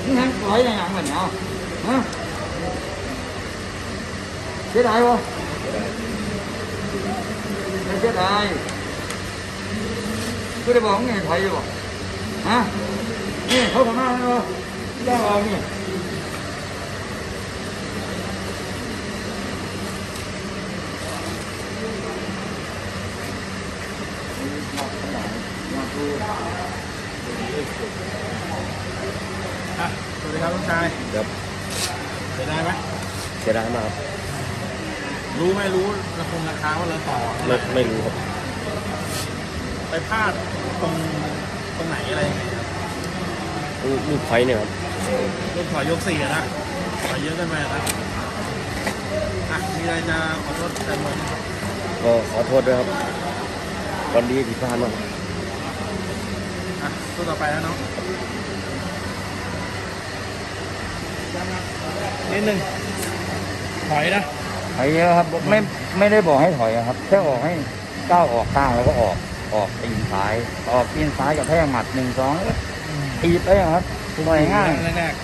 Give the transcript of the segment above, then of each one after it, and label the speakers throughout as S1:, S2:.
S1: นี่ฮะถอยอย่างเหมือนเอาฮะเสียดายวะไม่เสียดายกูได้บอกไงถอยอยู่บ่ฮะนี่เขาทำมาแล้วได้เอานี่
S2: สวัสดีครับลุงชาย
S3: ครับ
S2: เสียดายไหม
S3: เสียดายมากครับ
S2: รู้ไหมรู้ราคาว่าเราต่อ
S3: ไม่รู้ครับ
S2: ไปพลาดตรงไหนอะไรยังไงครับ
S3: ลูกไฟเนี่ยครับ
S2: ลูกถอยยก4นะถอยเยอะเกินไปนะมีอะไรจะขอโทษแฟนบอลไหมครับ
S3: ก็ขอโทษด้วยครับวันนี้ผิดพลาดมาก
S2: สู้ต่อไปแล้วเนาะนิดนึงถอยนะ
S1: ถอยเยอะครับไม่ได้บอกให้ถอยครับแค่บอกให้ก้าวออกข้างแล้วก็ออกตีนซ้ายกับแท่งหมัด1-2ตีไปครับต่อยง่าย
S2: แรก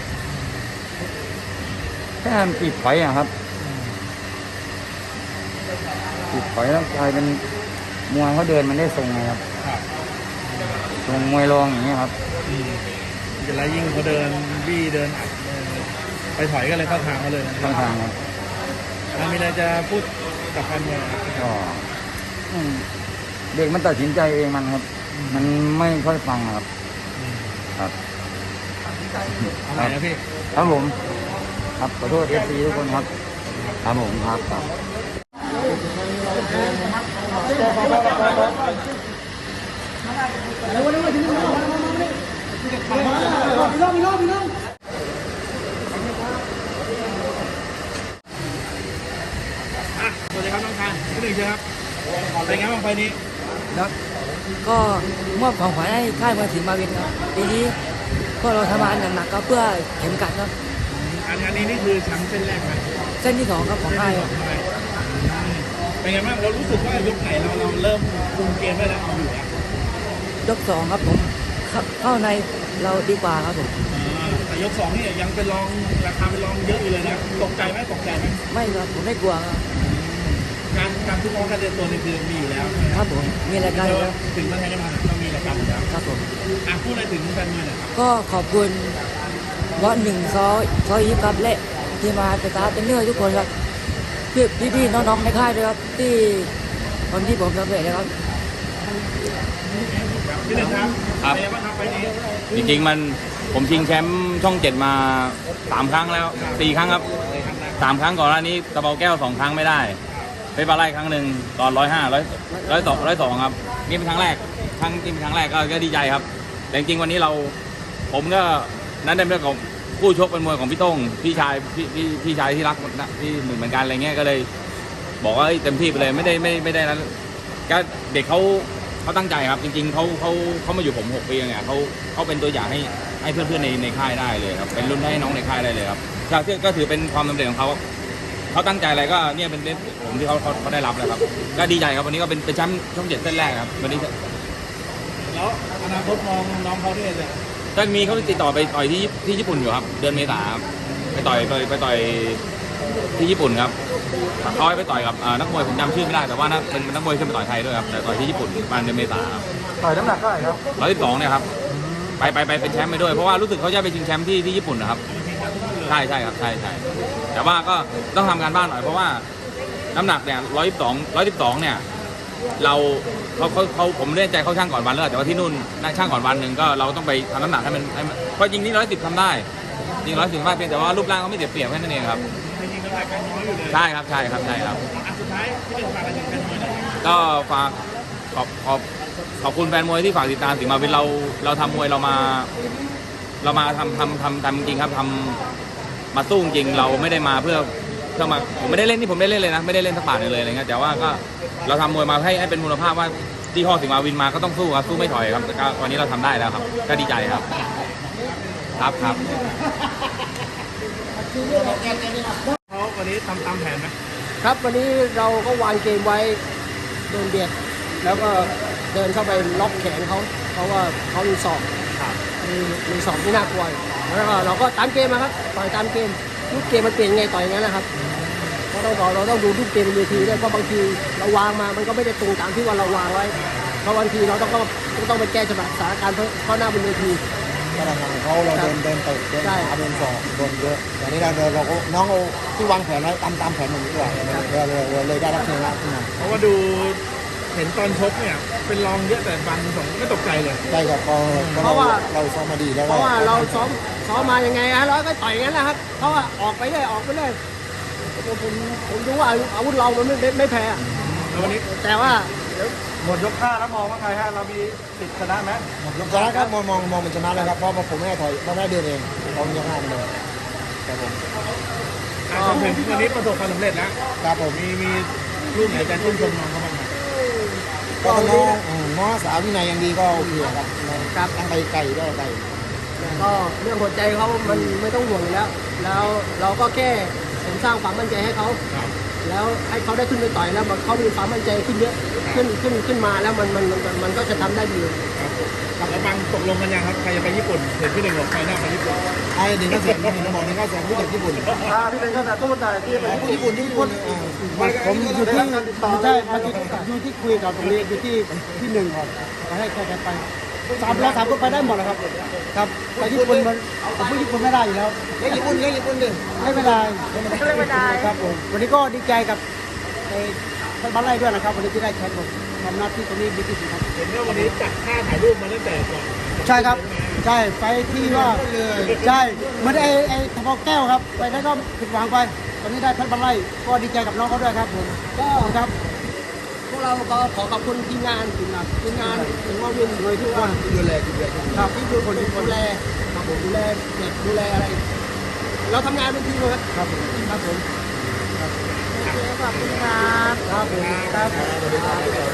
S1: แค่ปิดถอยครับปิดถอยแล้วกลายเป็นมวยเขาเดินมันได้ทรงไงครับ
S2: ครับ
S1: ทรงมวยรองอย่างนี้ครับ
S2: จะไรยิ่งเขาเดินบี้เดินอัดไปถอยก็เลยเข้าทางเขาเลยนะ
S1: ข้างทางครับ
S2: มีอะไรจะพูดกับแฟนมวย
S1: ก็เด็กมันตัดสินใจเองมันครับ มันไม่ค่อยฟังครับครับ
S2: อะไรนะพี่
S1: ครับผมครับขอโทษเอฟซีทุกคนครับครับผมครับ
S2: สวัสดีครับน้องชายพี่หนึ่งเชียวครับเป็นไงบ้างไฟนี้
S4: แล้วก็มอบของขวัญให้ค่ายมวยศรีมาวินครับปีนี้พวกเราทำงานหนักๆก็เพื่อเข็มกัดครับ
S2: อันนี้นี่คือแชมป์เส้นแรกไหม
S4: เส้นที่2ครับของค่ายครับ
S2: เป็นไงบ้างเรารู้สึกว่ายกไหนเราเริ่มคุมเกมได้แล้วเอาอยู่แล้ว
S4: ยก2ครับผมเข้าในเราดีกว่าครับผม
S2: แต่ยก2นี่ยังเป็นรองราคาเป็นรองเยอะอยู่เลยนะตกใจไหม
S4: ไม่ครับผมไม่กลัวครับ
S2: การทุกองการเดินตัวนี่คือมีอยู่แล้ว
S4: ครับผมมีรายการอยู่แล้ว
S2: ถึงประเทศได้มาต้องมีรายการอยู่แล้ว
S4: ครับผม
S2: พูดอะไรถึงแฟนมวยหน่อยครับ
S4: ก็ขอบคุณวัดหนึ่งซอยยิปครับและทีมงานสตาฟเป็นเนื้อทุกคนครับพี่ๆน้องๆในค่ายด้วยครับที่คนที่ผมสำเร็จนะครับ
S2: พี่หนึ่งครับ
S5: ครับ
S2: เป็นไงบ้างครับไฟนี้
S5: จริงๆผมชิงแชมป์ช่อง 7มา3 ครั้งแล้ว4 ครั้งครับ3 ครั้งก่อนหน้านี้ตะเบาแก้ว2 ครั้งไม่ได้ไปปลาไล่ครั้งหนึ่งตอน102ครับนี่เป็นครั้งแรกเป็นครั้งแรกก็ดีใจครับแต่จริงๆวันนี้ผมก็นั้นเป็นเรื่องของผู้ชกเป็นมวยของพี่ต้งพี่ชายที่รักที่เหมือนกันอะไรเงี้ยก็เลยบอกว่าเต็มที่ไปเลยไม่ได้นั้นก็เด็กเขาตั้งใจครับจริงๆเขามาอยู่ผม6 ปีเนี่ยเขาเป็นตัวอย่างให้เพื่อนๆในค่ายได้เลยครับเป็นรุ่นให้น้องในค่ายได้เลยครับก็ถือเป็นความสำเร็จของเขาตั้งใจอะไรก็เนี่ยเป็นผมที่เขาได้รับแล้วครับก็ดีใจครับวันนี้ก็เป็นแชมป์ช่อง 7เส้นแรกครับวันนี้
S2: แล้วอนาคตมองน้องเขาด้วยเลย
S5: ก็มีเขาติดต่อไปต่อยที่ญี่ปุ่นอยู่ครับเดือนเมษาครับไปต่อยที่ญี่ปุ่นครับเขาไปต่อยกับนักมวยผมจำชื่อไม่ได้แต่ว่าเป็นนักมวยขึ้นไปต่อยไทยด้วยครับแต่ต่อยที่ญี่ปุ่นประมาณเดือนเมษาครับ
S1: ต่อยน้ำหนักเท่าไหร่ครับ
S5: 112เนี่ยครับไปเป็นแชมป์ไปด้วยเพราะว่ารู้สึกเขาจะไปชิงแชมป์ที่ญี่ปุ่นนะครับใช่ครับใช่แต่ว่าก็ต้องทำการบ้านหน่อยเพราะว่าน้ำหนักเนี่ย112เนี่ยผมไม่แน่ใจเขาช่างก่อนวันแล้วแต่ว่าที่นู่นช่างก่อนวันหนึ่งก็เราต้องไปทำน้ำหนักให้มันเพราะจริงนี่110ทำได้จริง110ได้เพียงแต่ว่ารูปร่างเขาไม่เสียเปรียบแค่นั้นเองครับ
S2: จริงๆน้ำหนักการน้อยอยู่เลย
S5: ใช่ครับ
S2: สุดท้ายที่เป็นฝากอะไรถึงแฟนมวยหน่อยครับ
S5: ก็ฝากขอบคุณแฟนมวยที่ฝากติดตามสิงห์มาวินเราทำมวยเรามาทำจริงครับมาสู้จริงเราไม่ได้มาเพื่อมาผมไม่ได้เล่นผมได้เล่นเลยนะไม่ได้เล่นสักบาทเลยอะไรเงี้ยแต่ว่าก็เราทำมวยมาให้เป็นมูลภาพว่าที่ห้อสิงห์มาวินมาก็ต้องสู้ครับสู้ไม่ถอยครับแต่วันนี้เราทำได้แล้วครับก็ดีใจครับครับ
S2: เขาวันนี้ทำตามแผนไหม
S6: ครับวันนี้เราก็วางเกมไว้โดนเบียดแล้วก็เดินเข้าไปล็อกแขนเขาเพราะว่าเขามีศอกมีสองที่น่ากลัวอยู่แล้วก็เราก็ตามเกมนะครับต่อยตามเกมลูกเกมมันเปลี่ยนยังไงต่อยอย่างนั้นนะครับเราต้องดูลูกเกมบนเวทีด้วยเพราะบางทีเราวางมามันก็ไม่ได้ตรงตามที่ว่าเราวางไว้เพราะบางทีเราต้องไปแก้จังหวะสถานการณ์เพราะหน้าบนเวที
S3: ก็ทางเขาเราเดินเตะเดิน
S6: ใช่
S3: ขาเดินศอกโดนเยอะแต่นี้เราก็น้องเอาที่วางแผนไว้ตามแผนอย่างนี้ด้วยเลยได้รับชัยชนะขึ้นมา
S2: เพราะว่าดูเห็นตอนชกเนี่ยเป็นรองเยอะแต่บังสองไม่ตกใจเลย
S3: ได้ครับเพราะว่าเราซ้อมมาดีแล้ว
S6: เพราะว่าเราซ้อมมายังไงฮะเราก็ต่อยอย่างนั้นนะครับเพราะว่าออกไปเรื่อยผมรู้ว่าอาวุธเรามันไม่แพ้
S2: แล้ววันนี้
S6: แต่ว่า
S2: หมดยก5แล้วมองว่าไงฮะเรามีสิทธิ์ชนะไหม
S3: ชนะครับมองเป็นชนะเลยครับเพราะผมไม่ได้ถอยไม่ได้เดินเองผมยังห้ามเลยครับผม
S2: จนถึงวันนี้ประสบความสำเร็จแล้ว
S3: ครับผม
S2: มีรูปไหนจะชื่นชมน้องเขาบ้างไหม
S3: ก็น้องสาววินัยยังดีก็โอเคครับตั้งไปไก่ได้ไก่
S6: ก็เรื่องหัวใจเขามันไม่ต้องห่วงอยู่แล้วเราก็แค่เสริมสร้างความมั่นใจให้เขา
S2: ครับ
S6: แล้วให้เขาได้ขึ้นไปต่อยแล้วเขามีความมั่นใจขึ้นเยอะขึ้นมาแล้วมันก็จะทำได้ดี
S2: ครับแล้วบังตกลงกันยังครับใครจะไปญี่ปุ่นเห็นพี่หนึ่งบอกใครหน้าไปญี่ปุ่น
S3: ไอ้หนึ่งก็แสนเห็นบอกหนึ่งก็แสนผู้จากญี่ปุ่น
S2: พี่หนึ่งก็แต่ตู้แต่ที่ไป
S3: ญี่ปุ่น
S6: ผมอยู่ที่ใช่อยู่ที่คุยกับตรงนี้อยู่ที่หนึ่งก่อนให้ใครไป3คนไปได้หมดนะครับครับไปญี่ปุ่นผมไปญี่ปุ่นไม่ได้อยู่แล้ว
S3: ญี่ปุ่นดิ
S6: ไม่เป็นไรครับผมวันนี้ก็ดีใจกับท่านบ้านไร่ด้วยนะครับวันนี้ที่ได้แชมป์ผมทำหน้าที่ตรงนี้ดีที่สุดครับ
S2: เห็นว่าวันนี้จัดท่าถ่ายรูปมาตั้งแต่ก่อน
S6: ใช่ครับใช่ไฟที่ว่าใช่เหมือนไอ้ทบแก้วครับไปนั้นก็ผิดหวังไปวันนี้ได้ท่านบ้านไร่ก็ดีใจกับน้องเขาด้วยครับผมก็ครับพวกเราก็ขอขอบคุณทีมงานถึงว่าวินโดยทุกคน
S3: ดูแล
S6: ครับที่ดูคนดูแลครับผมดูแลเด็กดูแลอะไร เราทำงานเป็นทีมเลยครับครับผมขอบคุณครับครับผมครับ